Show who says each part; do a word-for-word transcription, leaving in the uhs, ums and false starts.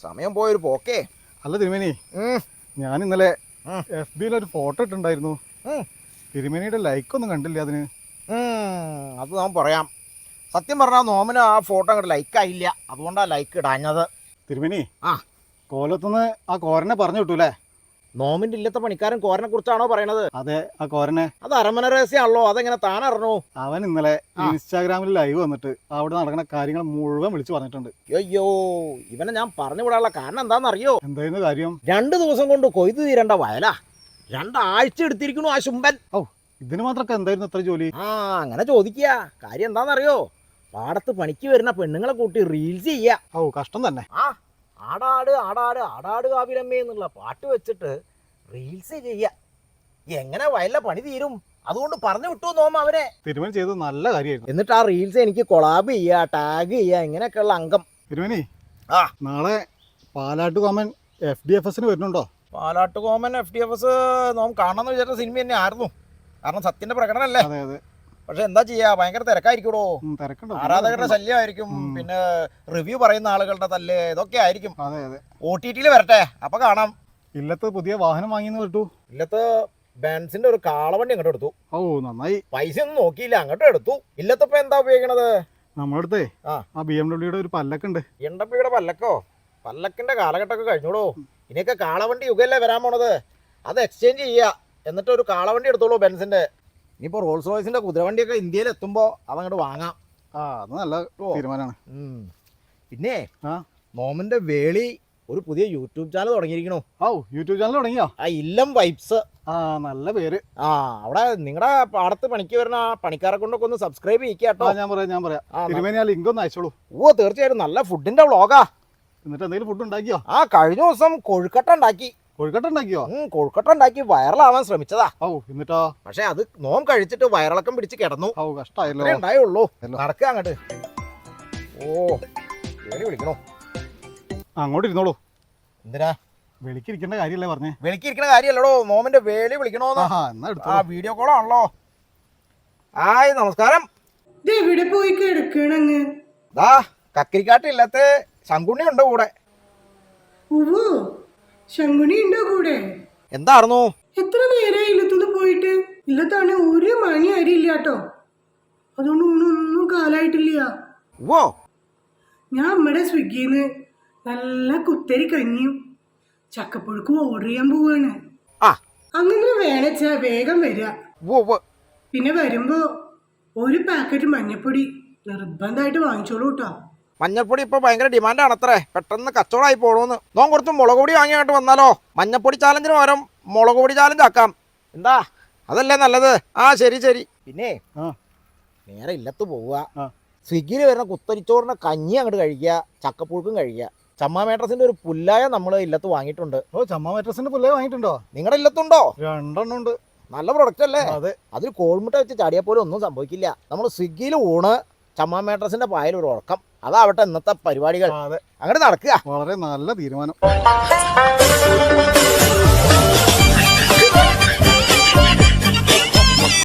Speaker 1: സമയം പോയൊരു പോക്കേ.
Speaker 2: അല്ല തിരുമേനി, ഞാൻ ഇന്നലെ എഫ് ബിയിൽ ഒരു ഫോട്ടോ ഇട്ടുണ്ടായിരുന്നു. തിരുമേനിയുടെ ലൈക്ക് ഒന്നും കണ്ടില്ല അതിന്.
Speaker 1: അത് ഞാൻ പറയാം. സത്യം പറഞ്ഞാൽ നോമിന് ആ ഫോട്ടോ അങ്ങോട്ട് ലൈക്ക് ആയില്ല, അതുകൊണ്ടാണ് ലൈക്ക് ഇടാഞ്ഞത്.
Speaker 2: തിരുമേനി,
Speaker 1: ആ
Speaker 2: കോലത്തുനിന്ന് ആ കോരനെ പറഞ്ഞു കിട്ടൂലേ?
Speaker 1: നോമിന്റെ ഇല്ലത്തെ പണിക്കാരൻ കോരനെ കുറിച്ചാണോ പറയണത്?
Speaker 2: അതെ, ആ കോരനെ.
Speaker 1: അത് അരമന രഹസ്യമാണല്ലോ, അതെങ്ങനെ താൻ അറിഞ്ഞു?
Speaker 2: അവൻ ഇന്നലെ ഇൻസ്റ്റാഗ്രാമിൽ ലൈവ് വന്നിട്ട് അവിടെ നടക്കുന്ന കാര്യങ്ങൾ മുഴുവൻ വിളിച്ചു പറഞ്ഞിട്ടുണ്ട്.
Speaker 1: അയ്യോ, ഇവനെ ഞാൻ പറഞ്ഞു വിടാനുള്ള കാരണം എന്താണെന്നറിയോ?
Speaker 2: എന്തായിരുന്നു കാര്യം?
Speaker 1: രണ്ടു ദിവസം കൊണ്ട് കൊയ്തു തീരേണ്ട വയലാ രണ്ടാഴ്ച എടുത്തിരിക്കണു ആ ശുംബൻ.
Speaker 2: ഓ, ഇതിന് മാത്രമൊക്കെ എന്തായിരുന്നു ഇത്ര ജോലി?
Speaker 1: ആ അങ്ങനെ ചോദിക്കുക. കാര്യം എന്താണെന്നറിയോ? പാടത്ത് പണിക്ക് വരുന്ന പെണ്ണുങ്ങളെ കൂട്ടി റീൽസ് ചെയ്യാ.
Speaker 2: ഓ, കഷ്ടം തന്നെ.
Speaker 1: ആ ആടാട് ആടാട് ആടാട് കാവിലമ്മേ എന്നുള്ള പാട്ട് വെച്ചിട്ട് റീൽസ് ചെയ്യ. എങ്ങനെ വയലിലെ പണി തീരും? അതുകൊണ്ട് പറഞ്ഞു വിട്ടു നോമ അവരെ.
Speaker 2: തിരുമേനി ചെയ്തത് നല്ല കാര്യമായിരുന്നു.
Speaker 1: എന്നിട്ട് ആ റീൽസ് എനിക്ക് കൊളാബ് ചെയ്യാ, ടാഗ് ചെയ്യാ, ഇങ്ങനെയൊക്കെയുള്ള അംഗം.
Speaker 2: തിരുമേനി,
Speaker 1: ആ
Speaker 2: നാളെ പാലാട്ടുകോമൻ എഫ് ഡി എഫ് എസിന് വരുന്നുണ്ടോ?
Speaker 1: Palattukoman F D F S നോം കാണണമെന്ന് വിചാരിച്ച സിനിമ തന്നെ ആയിരുന്നു. കാരണം സത്യന്റെ പ്രകടനമല്ലേ.
Speaker 2: അതെ അതെ.
Speaker 1: പക്ഷെ എന്താ ചെയ്യാ, ഭയങ്കര തിരക്കായിരിക്കണോ,
Speaker 2: തിരക്കുണ്ടോ,
Speaker 1: ആരാധകരുടെ ശല്യമായിരിക്കും, പിന്നെ റിവ്യൂ പറയുന്ന ആളുകളുടെ തല്ല്, ഇതൊക്കെ ആയിരിക്കും.
Speaker 2: അതെ അതെ.
Speaker 1: ഒ ടി ടിയിൽ വരട്ടെ, അപ്പൊ കാണാം.
Speaker 2: ഇല്ലത്ത് പുതിയ വാഹനം വാങ്ങിയെന്ന് കേട്ടു.
Speaker 1: ഇല്ലത്ത് ബെൻസിന്റെ ഒരു കാളവണ്ടി അങ്ങോട്ട് എടുത്തു.
Speaker 2: ഓ, നന്നായി.
Speaker 1: പൈസ ഒന്നും നോക്കിയില്ല, അങ്ങോട്ട് എടുത്തു. ഇല്ലത്തപ്പോ എന്താ ഉപയോഗിക്കണത്?
Speaker 2: നമ്മളടുത്തേ
Speaker 1: ആ
Speaker 2: ആ ബി എം ഡബ്ല്യൂടെ ഒരു പല്ലക്കുണ്ട്.
Speaker 1: എം ഡബ്ല്യൂടെ പല്ലക്കോ? പല്ലക്കിന്റെ കാലഘട്ടമൊക്കെ കഴിഞ്ഞോളൂ. ഇനിയൊക്കെ കാളവണ്ടി യുഗല്ലേ വരാൻ പോണത്. അത് എക്സ്ചേഞ്ച് ചെയ്യുക, എന്നിട്ട് ഒരു കാളവണ്ടി എടുത്തോളൂ ബെൻസിന്റെ. ഇനിയിപ്പോ റോൾസ് റോയ്സിന്റെ കുതിരവണ്ടിയൊക്കെ ഇന്ത്യയിൽ എത്തുമ്പോ അതങ്ങോട്ട് വാങ്ങാം.
Speaker 2: ആ, അത് നല്ല തീരുമാനമാണ്.
Speaker 1: പിന്നെ
Speaker 2: ആ
Speaker 1: നോമിന്റെ വേളി ഒരു പുതിയ യൂട്യൂബ് ചാനൽ തുടങ്ങിയിരിക്കണു.
Speaker 2: ഓ, യൂട്യൂബ് ചാനൽ തുടങ്ങിയോ?
Speaker 1: ആ ഇല്ലം വൈബ്സ്.
Speaker 2: ആ, നല്ല പേര്.
Speaker 1: ആ അവിടെ നിങ്ങളുടെ പാടത്ത് പണിക്ക് വരുന്ന ആ പണിക്കാരെ കൊണ്ടൊക്കെ ഒന്ന് സബ്സ്ക്രൈബ് ചെയ്യിക്കാട്ടോ.
Speaker 2: ഞാൻ പറയാം ഞാൻ പറയാം തിരുമേനി, ആ ലിങ്ക് ഒന്ന് അയച്ചോളൂ.
Speaker 1: ഓ തീർച്ചയായിട്ടും, നല്ല ഫുഡിന്റെ വ്ളോഗാ.
Speaker 2: എന്നിട്ട് എന്തെങ്കിലും ഫുഡ് ഉണ്ടാക്കിയോ?
Speaker 1: ആ കഴിഞ്ഞ ദിവസം കൊഴുക്കട്ട ഉണ്ടാക്കി.
Speaker 2: കൊഴുക്കട്ട ഉണ്ടാക്കിയോ?
Speaker 1: കൊഴുക്കട്ട ഉണ്ടാക്കി വൈറലാവാൻ ശ്രമിച്ചതാ.
Speaker 2: ഓ, എന്നിട്ടോ?
Speaker 1: പക്ഷെ അത് നോം കഴിച്ചിട്ട് വയറിളക്കം പിടിച്ച് കിടന്നു.
Speaker 2: ഓ, കഷ്ടായല്ലോ.
Speaker 1: ഉണ്ടായുള്ളൂ. നടക്കുക അങ്ങോട്ട്. ഓ വേളി വിളിക്കണോ?
Speaker 2: അങ്ങോട്ട് ഇരുന്നോളൂ.
Speaker 1: എന്തിനാ?
Speaker 2: വെളിക്കിരിക്കേണ്ട കാര്യമല്ലേ പറഞ്ഞേ?
Speaker 1: വെളിക്കിരിക്കണ കാര്യമല്ലടോ, നോമിന്റെ വേളി വിളിക്കണോന്ന്. ആ വീഡിയോ കോളാണല്ലോ. ഹായ്, നമസ്കാരം.
Speaker 3: എവിടെ പോയി കിടക്കണങ്ങ്?
Speaker 1: ദാ കക്കിരിക്കാട്ടില്ലാത്ത ശങ്കുണ്ണി ഉണ്ട് കൂടെ.
Speaker 3: ഓ, ശങ്കുണി ഉണ്ടോ കൂടെ?
Speaker 1: എന്തായിരുന്നു?
Speaker 3: എത്ര നേരം ഇല്ലത്തുനിന്ന് പോയിട്ട്? ഇല്ലത്താണ് ഒരു മണി അരിയില്ല കേട്ടോ. അതുകൊണ്ട് ഒന്നും കാലായിട്ടില്ല.
Speaker 1: ഓ,
Speaker 3: ഞാൻ നമ്മുടെ സ്വിഗ്ഗിന്ന് നല്ല കുത്തരി കഞ്ഞിയും ചക്കപ്പുഴുക്കും ഓർഡർ ചെയ്യാൻ പോവാണ്.
Speaker 1: ആ
Speaker 3: അങ്ങനെ വേണച്ചാ വേഗം വരിക.
Speaker 1: ഓ,
Speaker 3: പിന്നെ വരുമ്പോ ഒരു പാക്കറ്റ് മഞ്ഞപ്പൊടി നിർബന്ധമായിട്ട് വാങ്ങിച്ചോളൂ കേട്ടോ.
Speaker 1: മഞ്ഞപ്പൊടി ഇപ്പൊ ഭയങ്കര ഡിമാൻഡാണ് അത്രേ. പെട്ടെന്ന് കച്ചവടമായി പോണോന്ന്. നോൻ കുറച്ച് മുളക് പൊടി വാങ്ങിയായിട്ട് വന്നാലോ? മഞ്ഞപ്പൊടി ചാലഞ്ചിന് പകരം മുളക് പൊടി ചാലഞ്ച് ആക്കാം. എന്താ, അതല്ലേ നല്ലത്? ആ ശരി ശരി. പിന്നെ നേരെ ഇല്ലത്ത് പോവുക, സ്വിഗ്ഗിയിൽ വരുന്ന കുത്തരിച്ചോറിന്റെ കഞ്ഞി അങ്ങോട്ട് കഴിക്കുക, ചക്കപ്പുഴുക്കും കഴിക്കുക. ചമ്മാ മേട്രസിന്റെ ഒരു പുല്ലായ നമ്മൾ ഇല്ലത്ത് വാങ്ങിയിട്ടുണ്ട്.
Speaker 2: ഓ, ചമ്മാ മേട്രസിന്റെ പുല്ലായ വാങ്ങിയിട്ടുണ്ടോ?
Speaker 1: നിങ്ങളുടെ ഇല്ലത്തുണ്ടോ?
Speaker 2: രണ്ടെണ്ണം ഉണ്ട്.
Speaker 1: നല്ല പ്രൊഡക്റ്റ് അല്ലേ?
Speaker 2: അതെ.
Speaker 1: അതിൽ കോഴിമുട്ട വെച്ച് ചാടിയാൽ പോലും ഒന്നും സംഭവിക്കില്ല. നമ്മൾ സ്വിഗ്ഗിയിൽ ഊണ്, ചമ്മാ മേട്രസിന്റെ പായൽ ഒരു ഉറക്കം, അതാവട്ടെ ഇന്നത്തെ പരിപാടികൾ. അങ്ങോട്ട് നടക്കുക.
Speaker 2: വളരെ നല്ല തീരുമാനം.